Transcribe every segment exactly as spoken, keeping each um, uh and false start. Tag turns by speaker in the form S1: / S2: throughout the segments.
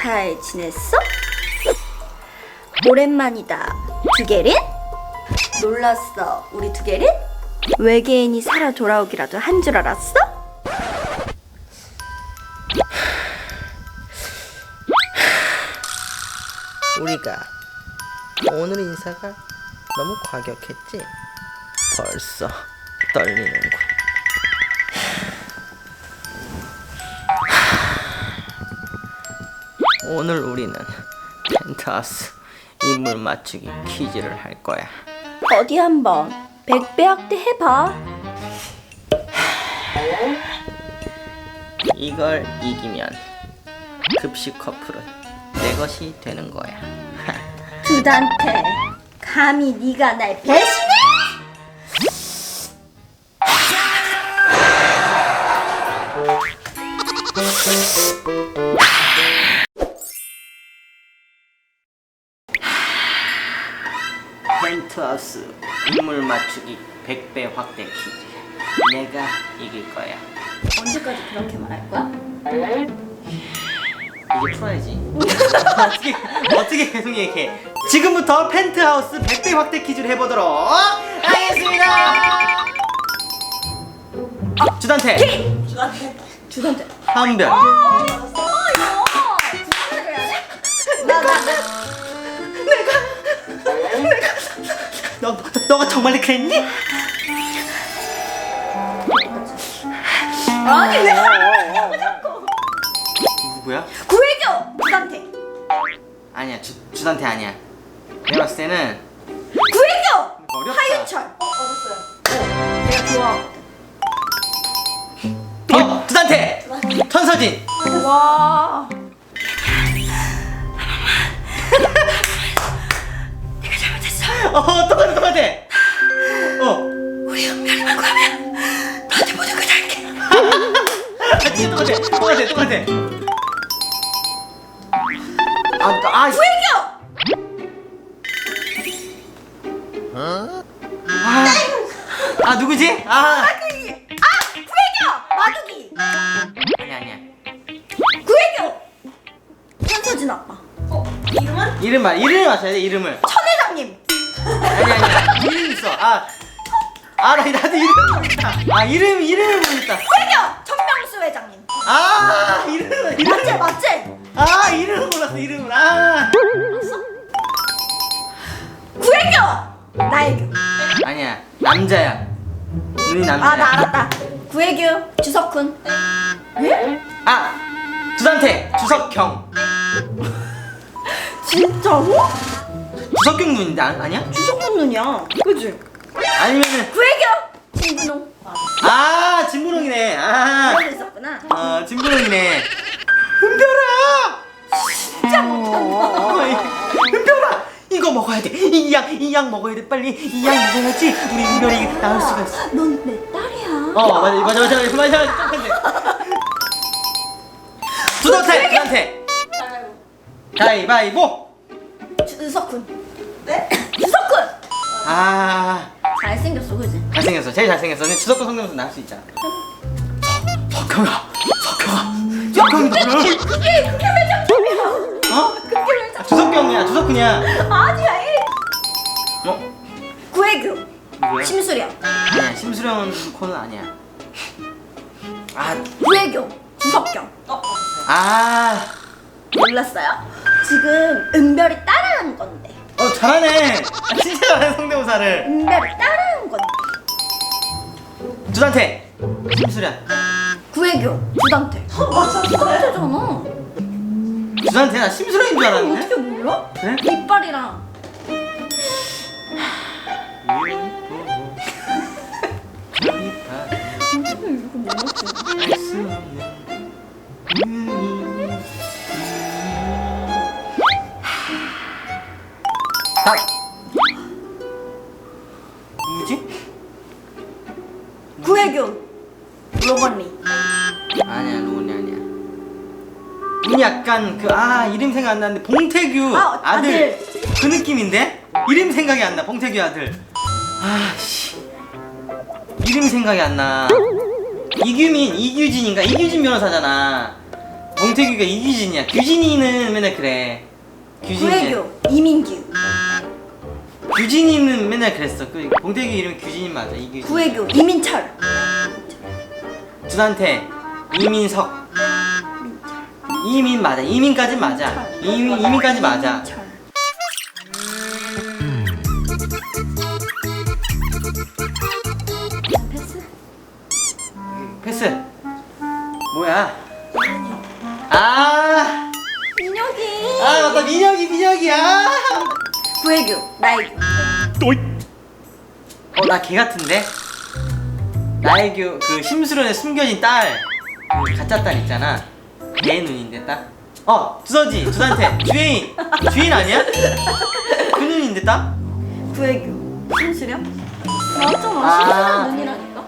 S1: 잘 지냈어? 오랜만이다. 두개린? 놀랐어, 우리 두개린? 외계인이 살아 돌아오기라도 한 줄 알았어?
S2: 우리가 오늘 인사가 너무 과격했지? 벌써 떨리는군. 오늘 우리는 펜트하우스 인물 맞추기 퀴즈를 할 거야.
S1: 어디 한번 백배 확대 해봐.
S2: 이걸 이기면 급식 커플은 내 것이 되는 거야.
S1: 두단테, 감히 네가 날 배신해?
S2: 펜트하우스 인물 맞추기 백 배 확대 퀴즈. 내가 이길 거야.
S1: 언제까지 그렇게 말할 거야?
S2: 이제 풀어야지. 어떻게 어떻게 계속 얘기해? 지금부터 펜트하우스 백 배 확대 퀴즈를 해보도록 하겠습니다. 주단태
S1: 두단테, 두단테.
S2: 한별.
S1: 어, 이거 두단테를 해야 돼? 나, 나, 나.
S2: 너 너가 정말 그랬니?
S1: 아니 왜 하냐고 자꾸.
S2: 누구야?
S1: 구애교 두단테.
S2: 아니야 주 주단태 아니야. 내가 봤을 때는
S1: 구애교
S2: 어렵다.
S1: 하윤철. 어, 맞았어요. 내가 좋아하거든.
S2: 어 주단태 천서진.
S1: 와.
S2: 어 똑같아 똑같아. 어
S1: 우리 은별이만 구하면 너한테 모든 걸 달게.
S2: 진짜 똑같아 똑같아 똑같아. 아, 아,
S1: 구애교.
S2: 아, 아 누구지? 아,
S1: 마두기. 아 구애교 마두기.
S2: 아니야 아니야.
S1: 구애교 천서진 아빠. 어 이름은?
S2: 이름 말 이름을 맞춰야 돼 이름을.
S1: 천 회장님.
S2: 아니야 아니야 이름 있어. 아, 아 나 나도 이름 모르겠다. 아 이름 이름을 모르겠다.
S1: 구애교 천명수 회장님.
S2: 아 이름 이름.
S1: 맞지 맞지.
S2: 아 이름을 몰랐어 이름을. 아.
S1: 구애교 나애교.
S2: 아니야 남자야. 눈이 남자야.
S1: 아 나 알았다. 구애교 주석훈. 예?
S2: 아 주단태 주석경.
S1: 진짜로?
S2: 주석경 눈인데 아, 아니야?
S1: 주석훈 눈이야. 그지?
S2: 아니면은
S1: 구애교 진분홍.
S2: 아 진분홍이네. 아.
S1: 그런 거 있었구나.
S2: 어 진분홍이네. 은별아.
S1: 진짜 못한다.
S2: 어이, 은별아 이거 먹어야 돼. 이 약 이 약 먹어야 돼. 빨리 이 약 먹어야지 우리 은별이 나을 수가 있어.
S1: 넌 내 딸이야.
S2: 어 맞아 맞아 맞아 맞아 맞아 맞아. 두단태 두단태 가위바위보.
S1: 주석훈. 네? 주석훈.
S2: 아
S1: 잘생겼어, 그지?
S2: 잘생겼어 제일 잘생겼어. 근데 주석경 성대모사 나올 수 있잖아. 석경아 석경아 석경이 너를
S1: 그게 그게 회장님이야.
S2: 어?
S1: 그게 회장.
S2: 주석경이야 주석훈이야.
S1: 아니야. 이
S2: 어?
S1: 구애교
S2: 누구야?
S1: 심수령.
S2: 아니야 심수령 코는 아니야. 아
S1: 구애교 주석경.
S2: 아.
S1: 몰랐어요? 지금 은별이 따라하는 건데.
S2: 어 잘하네. 아, 진짜 잘하네 성대모사를.
S1: 은별이 따라하는 건데.
S2: 주단태 심수련.
S1: 구애교 주단태. 어 맞아. 주단태잖아.
S2: 주단태 나 심수련인 줄 알았는데.
S1: 어떻게 몰라?
S2: 그래?
S1: 이빨이랑. 어떻게 이거 몰랐지?
S2: 딱 누구지?
S1: 구애교 로건리.
S2: 아니야 로운이 아니야. 눈이 약간 그 아 이름 생각 안 나는데 봉태규
S1: 아,
S2: 아들.
S1: 아들.
S2: 그 느낌인데 이름 생각이 안 나. 봉태규 아들. 아씨 이름 생각이 안 나. 이규민 이규진인가 이규진 변호사잖아. 봉태규가 이규진이야. 규진이는 맨날 그래. 규진이.
S1: 구혜교 이민규.
S2: 규진이는 맨날 그랬어. 그 봉태규 이름 규진이 맞아. 이규진.
S1: 구혜교 이민철.
S2: 두단태 이민석. 이민 맞아. 이민까지 맞아. 이민 이민까지 맞아.
S1: 민철. 패스?
S2: 패스. 뭐야? 아.
S1: 민혁이.
S2: 아 맞다. 민혁이 민혁이야.
S1: 구혜교 나혜교.
S2: 어 나 걔 같은데? 나의 교, 그 심수련에 숨겨진 딸, 그 가짜 딸 있잖아. 걔 눈인데 딱. 어 두서지 두단태 주혜인. 주혜인 아니야? 그 눈인데 딱?
S1: 구혜교 신수령. 맞잖아.
S2: 아.
S1: 신수령 눈이라니까.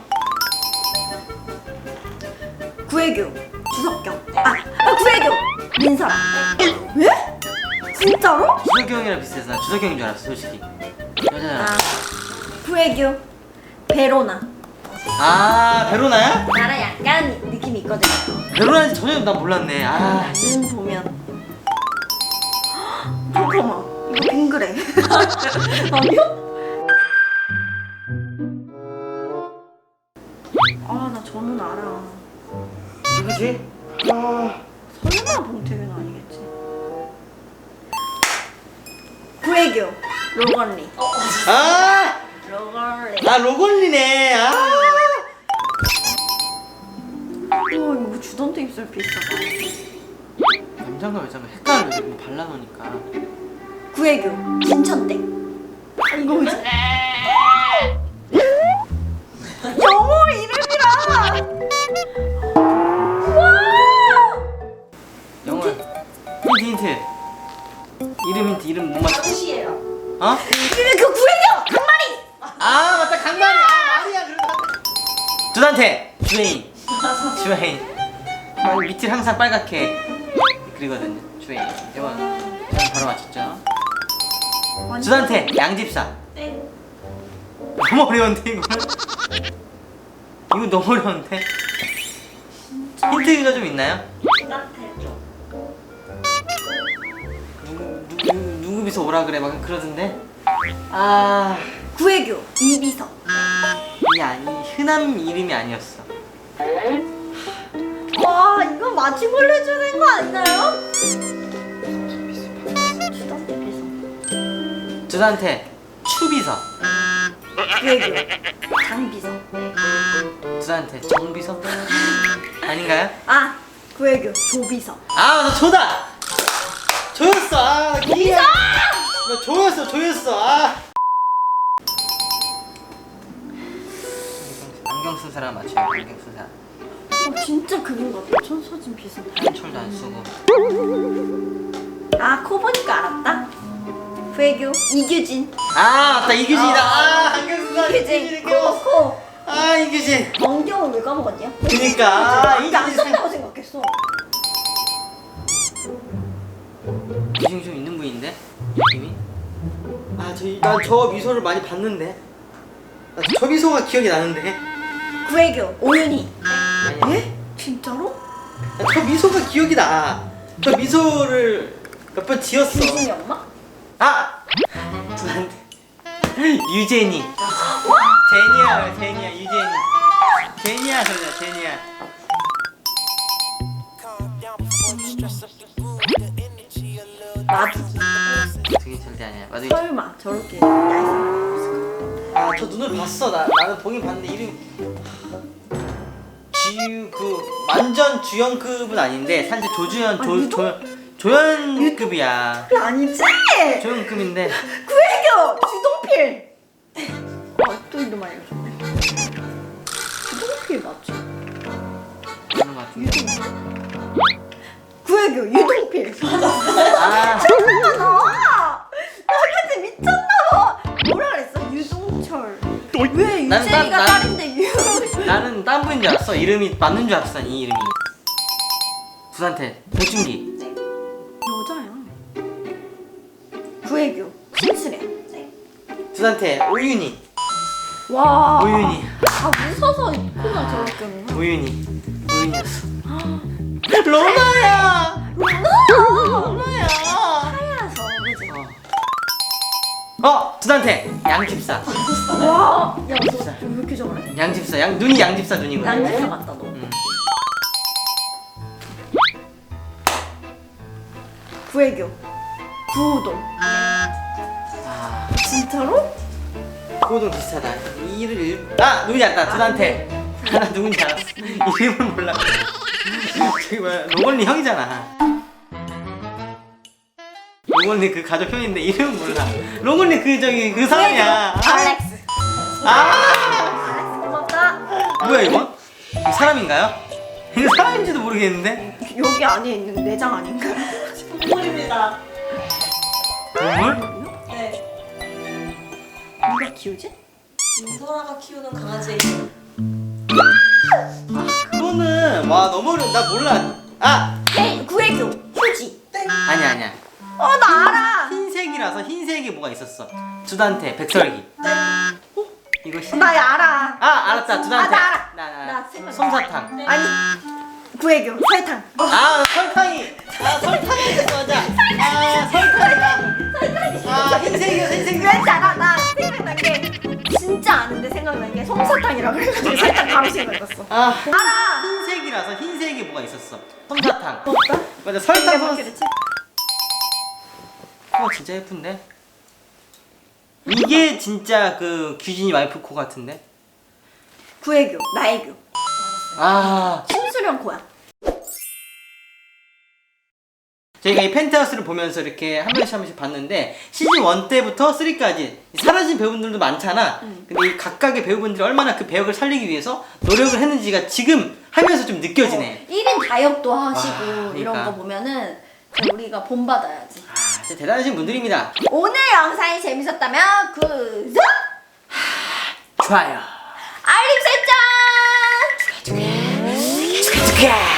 S1: 구혜교 주석경. 아, 아 구혜교 민설아. 왜? 진짜로?
S2: 주석이 형이랑 비슷해서 나 주석이 형인 줄 알았어 솔직히. 여자잖아.
S1: 아 구혜교 베로나.
S2: 아 베로나야?
S1: 나랑 약간 느낌이 있거든요.
S2: 베로나인지 전혀 난 몰랐네. 아
S1: 눈 보면. 잠깐만 이거 빙그레. 아니요? 아 나 저는 알아.
S2: 누구지? 아
S1: 설마 봉태규는 아니겠지. 구혜교 로건리.
S2: 아,
S1: 로건리.
S2: 아 로건리네. 아.
S1: 와 이거 뭐 주던데 입술 비슷하다.
S2: 남자가 여자가 헷갈려. 이거 발라놓으니까.
S1: 구혜교 진천댁. 아 이거 뭐지? 영어 이름이라. 와.
S2: 영어. 힌트 힌트. 이름 힌트 이름 못 맞춰.
S1: 당시예요.
S2: 어?
S1: 이름이 그 구혜교 강마리.
S2: 아 맞다 강마리. 아 마리야 그러다. 두단태 주혜인. 주혜인. 아, 밑을 항상 빨갛게 그리거든요. 주혜인. 이거 저는 바로 맞췄죠. 두단태 양집사.
S1: 네.
S2: 너무 어려운데 이거는. 이거 너무 어려운데. 힌트가 좀 있나요?
S1: 따뜻해져.
S2: 누구 누구 누구 비서 오라 그래 막 그러던데. 아
S1: 구혜교 이비서.
S2: 이 아니 흔한 이름이 아니었어.
S1: 와 이거 맞춤을 해주는 거 아니나요? 주던데 비서.
S2: 두단태 추비서.
S1: 구혜교 장비서.
S2: 두단태 정비서. 아닌가요?
S1: 아 구혜교 조비서.
S2: 아 나 조다. 조였어. 아 기가. 나 조였어 조였어. 아. 안경 쓴 사람 맞춰요. 안경 쓴 사람.
S1: 어 진짜 그분 같아. 천서진 비서.
S2: 한철도 안 쓰고.
S1: 아 코 보니까 알았다. 구혜교 이규진.
S2: 아 맞다 이규진이다. 아 안경 쓴 사람
S1: 이규진
S2: 이규진이
S1: 코
S2: 깨웠어.
S1: 코.
S2: 아 이규진.
S1: 안경을 왜 까먹었냐?
S2: 그니까 아
S1: 이게 안
S2: 이규진.
S1: 썼다고 생각했어.
S2: 기준이 좀 있는 분인데 느낌이. 아저난저 미소를 많이 봤는데. 나 저 미소가 기억이 나는데.
S1: 구혜교 오윤희.
S2: 아니야.
S1: 예? 진짜로?
S2: 나 저 미소가 기억이 나. 저 미소를 몇 번 지었어.
S1: 규진이 엄마?
S2: 아! 두한테 유제니. 제니야 제니야 유제니. 제니야 그러자 제니야.
S1: 마두기.
S2: 그게 절대 아니야. 맞아.
S1: 설마 저렇게 얄쌍.
S2: 아저 눈을 봤어. 나 나는 보긴 봤는데 이름. 지유 그 완전 주연급은 아닌데 사실 조주연
S1: 아,
S2: 조
S1: 유도?
S2: 조 조연급이야.
S1: 그게 아니지?
S2: 조연급인데.
S1: 구혜교 주동필. 아또 이름 알려줬네. 주동필 맞지?
S2: 그런 것 같은데.
S1: 구혜교 유동필.
S2: 아
S1: 잠깐만 나. 나 근데 미쳤나봐. 뭐라 그랬어? 유동철. 왜
S2: 난- 난-
S1: 유재이가
S2: 난-
S1: 딸인데 유.
S2: 나는 딴 분인 줄 알았어. 이름이 맞는 줄 알았어. 이 이름이. 부산태 백준기.
S1: 여자야. 구혜교 신수래.
S2: 부산태 오윤희.
S1: 와.
S2: 오윤희.
S1: 아 무서서 코가 저렇게 웃나?
S2: 오윤희. 오윤희였어. 로나야. 로나야.
S1: 하야서 그지?
S2: 어, 두단태 양집사.
S1: 와, 야, 너왜 이렇게 잘해?
S2: 양집사. 양 눈이 양집사 눈이거든.
S1: 양지사 같다 너.
S2: 음.
S1: 구애교, 구우동.
S2: 아,
S1: 진짜로?
S2: 고동 비슷하다. 이를 일... 아, 누군지 알았다. 두단태. 나 누군지 알았어. 이름을 몰라. 저기 뭐야? 로건리 형이잖아. 로건리 그 가족 형인데 이름은 몰라. 로건리 그 저기 그 사람이야.
S1: 알렉스.
S2: 아,
S1: 알렉스 고맙다.
S2: 뭐야 이건? 이거 사람인가요? 이거 사람인지도 모르겠는데.
S1: 여기 안에 있는 내장 아닌가?
S3: 동물입니다.
S2: 동물?
S3: 네.
S1: 누가 키우지?
S3: 민소라가 키우는 강아지.
S2: 그거는 와 너무 어려. 나 몰라. 아,
S1: 네, 구애교, 휴지.
S2: 아니야 아니야.
S1: 어, 나 알아.
S2: 흰색이라서 흰색이 뭐가 있었어. 두단태, 백설기. 어? 이거 흰.
S1: 나 알아.
S2: 아, 알았다. 두단태.
S1: 아, 나 알아.
S2: 나, 나.
S1: 나 생각-
S2: 솜사탕.
S1: 아니, 구애교, 설탕.
S2: 아, 설탕이. 아, 설탕이 맞아. 아, 설탕이다. 아, 흰색이야, 흰색이.
S1: 왠지 알아. 나 생각난 게 진짜 아는데 생각난 게 솜사탕이라 그래가지고 살짝 바로 생각났어.
S2: 아,
S1: 알아.
S2: 흰색이라서 흰색이 뭐가 있었어. 솜사탕.
S1: 없다?
S2: 맞아, 설탕
S1: 이게
S2: 솜.
S1: 그렇지?
S2: 코 진짜 예쁜데? 이게 진짜 그 규진이 와이프 코 같은데?
S1: 구애교, 나애교.
S2: 아,
S1: 심수령 코야.
S2: 저희가 이 펜트하우스를 보면서 이렇게 한 번씩 한 번씩 봤는데 시즌 일 때부터 삼까지 사라진 배우분들도 많잖아.
S1: 응.
S2: 근데 이 각각의 배우분들이 얼마나 그 배역을 살리기 위해서 노력을 했는지가 지금 하면서 좀 느껴지네.
S1: 어, 일 인 다역도 하시고
S2: 와, 그러니까.
S1: 이런 거 보면은 진짜 우리가 본받아야지.
S2: 아, 진짜 대단하신 분들입니다.
S1: 오늘 영상이 재밌었다면 구독,
S2: 좋아요.
S1: 알림 설정.
S2: 축하 축하.